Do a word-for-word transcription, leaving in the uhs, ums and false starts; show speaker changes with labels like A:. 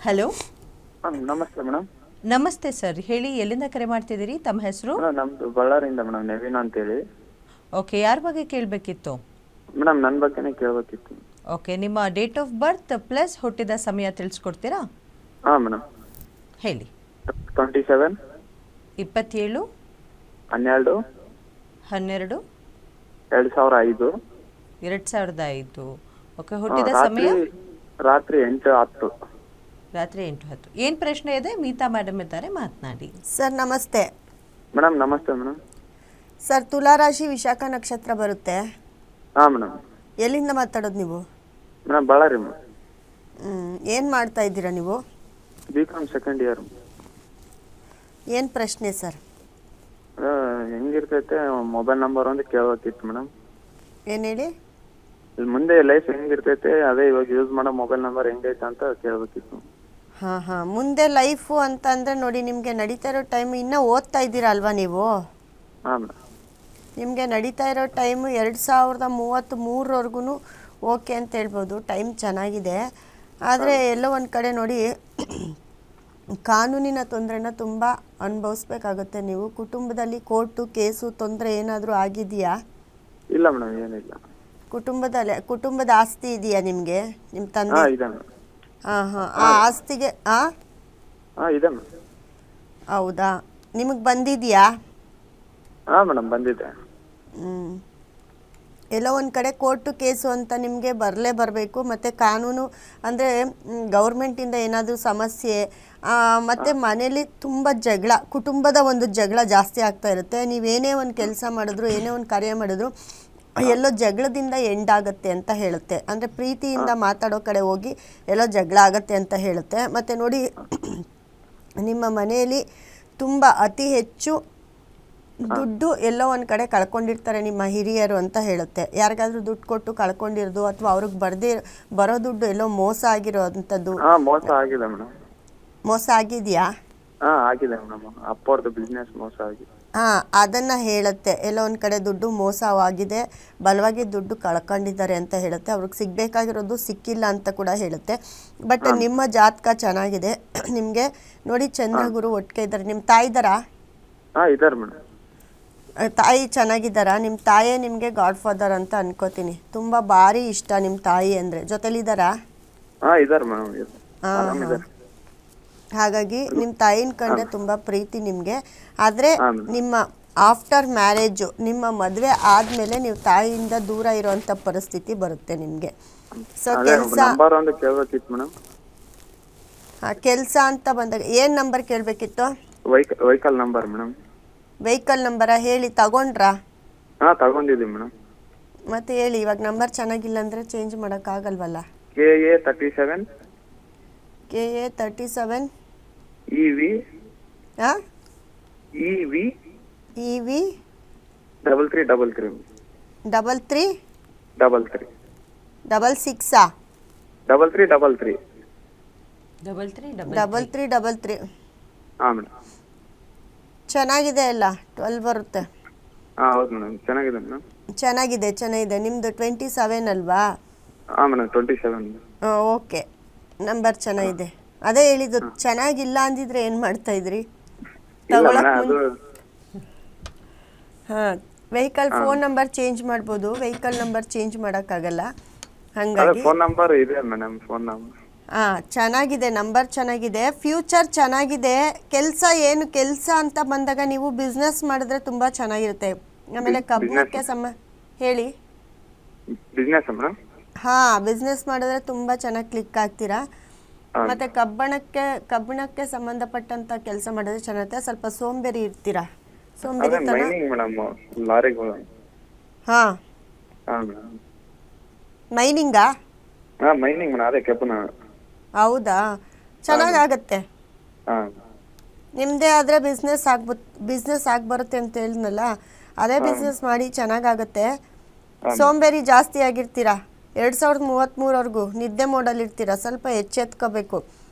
A: Hello.
B: ಹಾಂ ನಮಸ್ತೆ madam.
A: ನಮಸ್ತೆ ಸರ್, ಹೇಳಿ ಎಲ್ಲಿಂದ ಕರೆ ಮಾಡ್ತಿದ್ದೀರಿ, ತಮ್ಮ ಹೆಸರು?
B: ಮೇಡಮ್ ನಮ್ಮದು ಬಳ್ಳಾರಿಯಿಂದ ಮೇಡಮ್, ನವೀನ್ ಅಂತೇಳಿ.
A: ಓಕೆ, ಯಾರ ಬಗ್ಗೆ ಕೇಳಬೇಕಿತ್ತು?
B: ಮೇಡಮ್ ನನ್ನ ಬಗ್ಗೆನೇ ಕೇಳಬೇಕಿತ್ತು.
A: ಓಕೆ, ನಿಮ್ಮ ಡೇಟ್ ಆಫ್ ಬರ್ತ್ ಪ್ಲಸ್ ಹುಟ್ಟಿದ ಸಮಯ ತಿಳಿಸ್ಕೊಡ್ತೀರಾ?
B: ಹಾಂ ಮೇಡಮ್.
A: ಹೇಳಿ.
B: ಟ್ವೆಂಟಿ ಸೆವೆನ್
A: ಇಪ್ಪತ್ತೇಳು
B: ಹನ್ನೆರಡು
A: ಹನ್ನೆರಡು
B: ಎರಡು ಸಾವಿರ ಐದು.
A: ಎರಡು ಸಾವಿರದ ಐದು. ಓಕೆ,
B: ಹಾಂ,
A: ಹುಟ್ಟಿದ
B: ರಾತ್ರಿ
A: ಸಮಯ?
B: ರಾತ್ರಿ ಎಂಟು ಹತ್ತು.
A: ರಾತ್ರಿ ಎಂಟು ಹತ್ತು. ಏನು ಪ್ರಶ್ನೆ ಇದೆ? ಮೀತಾ ಮೇಡಮ್ ಇದ್ದಾರೆ, ಮಾತನಾಡಿ.
C: ಸರ್ ನಮಸ್ತೆ.
B: ಮೇಡಮ್ ನಮಸ್ತೆ ಮೇಡಮ್.
C: ಸರ್ ತುಲಾರಾಶಿ ವಿಶಾಖ ನಕ್ಷತ್ರ ಬರುತ್ತೆ.
B: ಹಾಂ ಮೇಡಮ್.
C: ಎಲ್ಲಿಂದ ಮಾತಾಡೋದು ನೀವು?
B: Madam Ballari madam.
C: ಏನು ಮಾಡ್ತಾ ಇದ್ದೀರಾ ನೀವು?
B: B com second year.
C: ಏನು ಪ್ರಶ್ನೆ ಸರ್?
B: ಹೆಂಗಿರ್ತೈತೆ ಮೊಬೈಲ್ ನಂಬರ್ ಒಂದು ಕೇಳಬೇಕಿತ್ತು ಮೇಡಮ್.
C: ಏನು ಹೇಳಿ?
B: ಇಲ್ಲಿ ಮುಂದೆ ಲೈಫ್ ಹೆಂಗಿರ್ತೈತೆ, ಅದೇ ಇವಾಗ ಯೂಸ್ ಮಾಡೋ ಮೊಬೈಲ್ ನಂಬರ್ ಹೆಂಗೈತೆ ಅಂತ ಕೇಳಬೇಕಿತ್ತು.
C: ಹಾಂ ಹಾಂ ಮುಂದೆ ಲೈಫು ಅಂತ ಅಂದರೆ ನೋಡಿ, ನಿಮಗೆ ನಡೀತಾ ಇರೋ ಟೈಮ್ ಇನ್ನೂ ಓದ್ತಾ ಇದ್ದೀರಾ ಅಲ್ವಾ ನೀವು?
B: ಹಾಂ ಮೇಡಮ್.
C: ನಿಮಗೆ ನಡೀತಾ ಇರೋ ಟೈಮು ಎರಡು ಸಾವಿರದ ಮೂವತ್ತು ಮೂರವರೆಗೂ ಓಕೆ ಅಂತ ಹೇಳ್ಬೋದು, ಟೈಮ್ ಚೆನ್ನಾಗಿದೆ. ಆದರೆ ಎಲ್ಲೋ ಒಂದು ಕಡೆ ನೋಡಿ ಕಾನೂನಿನ ತೊಂದರೆನ ತುಂಬ ಅನುಭವಿಸ್ಬೇಕಾಗುತ್ತೆ ನೀವು. ಕುಟುಂಬದಲ್ಲಿ ಕೋರ್ಟು ಕೇಸು ತೊಂದರೆ ಏನಾದರೂ ಆಗಿದೆಯಾ?
B: ಇಲ್ಲ ಮೇಡಮ್, ಏನಿಲ್ಲ.
C: ಕುಟುಂಬದಲ್ಲಿ ಕುಟುಂಬದ ಆಸ್ತಿ ಇದೆಯಾ ನಿಮಗೆ, ನಿಮ್ಮ ತಂದೆ?
B: ಹಾಂ ಇದೆ ಮೇಡಮ್.
C: ಹಾಂ ಹಾಂ ಆ ಆಸ್ತಿಗೆ ಆ
B: ಹಾಂ ಇದೆ ಮೇಡಮ್.
C: ಹೌದಾ, ನಿಮಗೆ ಬಂದಿದೆಯಾ?
B: ಹಾಂ ಮೇಡಮ್ ಬಂದಿದೆ.
C: ಹ್ಞೂ ಎಲ್ಲೋ ಒಂದು ಕಡೆ ಕೋರ್ಟು ಕೇಸು ಅಂತ ನಿಮಗೆ ಬರಲೇ ಬರಬೇಕು. ಮತ್ತು ಕಾನೂನು ಅಂದರೆ ಗೌರ್ಮೆಂಟಿಂದ ಏನಾದರೂ ಸಮಸ್ಯೆ, ಮತ್ತು ಮನೇಲಿ ತುಂಬ ಜಗಳ, ಕುಟುಂಬದ ಒಂದು ಜಗಳ ಜಾಸ್ತಿ ಆಗ್ತಾ ಇರುತ್ತೆ. ನೀವೇನೇ ಒಂದು ಕೆಲಸ ಮಾಡಿದ್ರು, ಏನೇ ಒಂದು ಕಾರ್ಯ ಮಾಡಿದ್ರು ಎಲ್ಲೋ ಜಗಳದಿಂದ ಎಂಡ್ ಆಗುತ್ತೆ ಅಂತ ಹೇಳುತ್ತೆ. ಅಂದರೆ ಪ್ರೀತಿಯಿಂದ ಮಾತಾಡೋ ಕಡೆ ಹೋಗಿ ಎಲ್ಲೋ ಜಗಳ ಆಗುತ್ತೆ ಅಂತ ಹೇಳುತ್ತೆ. ಮತ್ತು ನೋಡಿ ನಿಮ್ಮ ಮನೆಯಲ್ಲಿ ತುಂಬ ಅತಿ ಹೆಚ್ಚು ದುಡ್ಡು ಎಲ್ಲೋ ಒಂದು ಕಡೆ ಕಳ್ಕೊಂಡಿರ್ತಾರೆ ನಿಮ್ಮ ಹಿರಿಯರು ಅಂತ ಹೇಳುತ್ತೆ. ಯಾರಿಗಾದ್ರೂ ದುಡ್ಡು ಕೊಟ್ಟು ಕಳ್ಕೊಂಡಿರೋದು, ಅಥವಾ ಅವ್ರಿಗೆ ಬರ್ದೇ ಬರೋ ದುಡ್ಡು ಎಲ್ಲೋ ಮೋಸ ಆಗಿರೋ ಅಂಥದ್ದು.
B: ಹಾಂ ಮೋಸ ಆಗಿದೆ ಮೇಡಮ್.
C: ಮೋಸ ಆಗಿದೆಯಾ?
B: ಹಾಂ ಆಗಿದೆ ಮೇಡಮ್, ಅಪ್ಪವ್ರದ್ದು ಬಿಸ್ನೆಸ್ ಮೋಸ ಆಗಿದೆ.
C: ಹಾಂ ಅದನ್ನು ಹೇಳುತ್ತೆ. ಎಲ್ಲೋ ಒಂದು ಕಡೆ ದುಡ್ಡು ಮೋಸವಾಗಿದೆ, ಬಲವಾಗಿ ದುಡ್ಡು ಕಳ್ಕೊಂಡಿದ್ದಾರೆ ಅಂತ ಹೇಳುತ್ತೆ. ಅವ್ರಿಗೆ ಸಿಗಬೇಕಾಗಿರೋದು ಸಿಕ್ಕಿಲ್ಲ ಅಂತ ಕೂಡ ಹೇಳುತ್ತೆ. ಬಟ್ ನಿಮ್ಮ ಜಾತಕ ಚೆನ್ನಾಗಿದೆ. ನಿಮಗೆ ನೋಡಿ ಚಂದ್ರಗುರು ಒಟ್ಟಿಗೆ ಇದ್ದಾರೆ. ನಿಮ್ಮ ತಾಯಿ ಇದ್ದಾರಾ?
B: ಹಾಂ ಇದ್ದಾರೆ ಮೇಡಮ್.
C: ತಾಯಿ ಚೆನ್ನಾಗಿದ್ದಾರಾ? ನಿಮ್ಮ ತಾಯೇ ನಿಮಗೆ ಗಾಡ್ ಫಾದರ್ ಅಂತ ಅನ್ಕೋತೀನಿ. ತುಂಬ ಭಾರಿ ಇಷ್ಟ ನಿಮ್ಮ ತಾಯಿ ಅಂದರೆ. ಜೊತೆಲಿದ್ದಾರಾ?
B: ಹಾಂ ಇದ್ದಾರೆ ಮೇಡಮ್.
C: ಹಾಂ ಹಾಂ ಹಾಗಾಗಿ ನಿಮ್ಮ ತಾಯಿನ ಕಂಡ್ರೆ ತುಂಬ ಪ್ರೀತಿ ನಿಮಗೆ. ಆದರೆ ನಿಮ್ಮ ಆಫ್ಟರ್ ಮ್ಯಾರೇಜು, ನಿಮ್ಮ ಮದುವೆ ಆದಮೇಲೆ ನೀವು ತಾಯಿಯಿಂದ ದೂರ ಇರೋವಂಥ ಪರಿಸ್ಥಿತಿ ಬರುತ್ತೆ ನಿಮಗೆ. ಸೊ ಕೆಲಸ ಹಾಂ ಕೆಲಸ ಅಂತ ಬಂದಾಗ ಏನು ನಂಬರ್ ಕೇಳಬೇಕಿತ್ತು?
B: Vehicle number madam.
C: ವೆಹಿಕಲ್ ನಂಬರಾ? ಹೇಳಿ, ತಗೊಂಡ್ರಾ?
B: ಹಾಂ ತಗೊಂಡಿದ್ದೀವಿ ಮೇಡಮ್.
C: ಮತ್ತೆ ಹೇಳಿ, ಇವಾಗ ನಂಬರ್ ಚೆನ್ನಾಗಿಲ್ಲ ಅಂದರೆ ಚೇಂಜ್ ಮಾಡೋಕ್ಕಾಗಲ್ವಲ್ಲ.
B: K A thirty seven
C: K A thirty seven
B: E V
C: ಹಾಂ
B: E V
C: E V
B: double three double three
C: double three
B: double three
C: double ಸಿಕ್ಸಾ?
B: Double three double three
A: double three
C: double three double three
B: ಹಾಂ madam.
C: ಚೆನ್ನಾಗಿದೆ ಅಲ್ಲ? Twelve ಬರುತ್ತೆ.
B: ಹಾಂ ಹೌದು madam, ಚೆನ್ನಾಗಿದೆ madam.
C: ಚೆನ್ನಾಗಿದೆ ಚೆನ್ನಾಗಿದೆ. ನಿಮ್ಮದು ಟ್ವೆಂಟಿ ಸೆವೆನ್ ಅಲ್ವಾ?
B: ಹಾಂ ಮೇಡಮ್ ಟ್ವೆಂಟಿ ಸೆವೆನ್.
C: ಹಾಂ ಓಕೆ, ನಂಬರ್ ಚೆನ್ನಾಗಿದೆ. ಅದೇ ಹೇಳಿದ್ದು, ಚೆನ್ನಾಗಿಲ್ಲ ಅಂದಿದ್ರೆ ಏನು ಮಾಡ್ತಾ ಇದ್ರಿ? ತಗೊಳಕ್ ಹಾಂ ವೆಹಿಕಲ್ ಫೋನ್ ನಂಬರ್ ಚೇಂಜ್ ಮಾಡ್ಬೋದು, ವೆಹಿಕಲ್ ನಂಬರ್ ಚೇಂಜ್ ಮಾಡೋಕ್ಕಾಗಲ್ಲ. ಹಾಗಾಗಿ
B: ಫೋನ್ ನಂಬರ್ ಇದೆ ಮೇಡಮ್. ಫೋನ್ ನಂಬರ್
C: ಹಾಂ ಚೆನ್ನಾಗಿದೆ, ನಂಬರ್ ಚೆನ್ನಾಗಿದೆ, ಫ್ಯೂಚರ್ ಚೆನ್ನಾಗಿದೆ. ಕೆಲಸ ಏನು ಕೆಲಸ ಅಂತ ಬಂದಾಗ ನೀವು ಬಿಸ್ನೆಸ್ ಮಾಡಿದ್ರೆ ತುಂಬ ಚೆನ್ನಾಗಿರುತ್ತೆ. ಆಮೇಲೆ ಕಬ್ಬಣಕ್ಕೆ ಸಮ ಹೇಳಿ.
B: Business madam.
C: ಹಾಂ ಬಿಸ್ನೆಸ್ ಮಾಡಿದ್ರೆ ತುಂಬ ಚೆನ್ನಾಗಿ ಕ್ಲಿಕ್ ಆಗ್ತೀರಾ. ಮತ್ತು ಕಬ್ಬಣಕ್ಕೆ ಕಬ್ಬಣಕ್ಕೆ ಸಂಬಂಧಪಟ್ಟಂಥ ಕೆಲಸ ಮಾಡಿದ್ರೆ ಚೆನ್ನಾಗಿರುತ್ತೆ. ಸ್ವಲ್ಪ ಸೋಂಬೇರಿ ಇರ್ತೀರಾ, ಸೋಂಬೇರಿತನ.
B: ಮೇಡಮ್ ಲಾರಿಗಳು.
C: ಹಾಂ
B: ಹಾಂ ಮೇಡಮ್.
C: ಮೈನಿಂಗಾ?
B: ಹಾಂ ಮೈನಿಂಗ್ ಮೇಡಮ್, ಅದೇ ಕಬ್ಬಣ.
C: ಹೌದಾ, ಚೆನ್ನಾಗಾಗತ್ತೆ.
B: ಹಾಂ
C: ನಿಮ್ಮದೇ ಆದರೆ ಬಿಸ್ನೆಸ್ ಆಗ್ಬ ಬಿಸ್ನೆಸ್ ಆಗಿ ಬರುತ್ತೆ ಅಂತ ಹೇಳಿದ್ನಲ್ಲ, ಅದೇ ಬಿಸ್ನೆಸ್ ಮಾಡಿ ಚೆನ್ನಾಗಾಗತ್ತೆ. ಸೋಂಬೇರಿ ಜಾಸ್ತಿ ಆಗಿರ್ತೀರಾ. ಎರಡು ಸಾವಿರದ ಮೂವತ್ತ್ಮೂರವರೆಗೂ ನಿದ್ದೆ ಮೋಡಲ್ಲಿ ಇರ್ತೀರಾ. ಸ್ವಲ್ಪ ಎಚ್ಚೆತ್ಕೋಬೇಕು.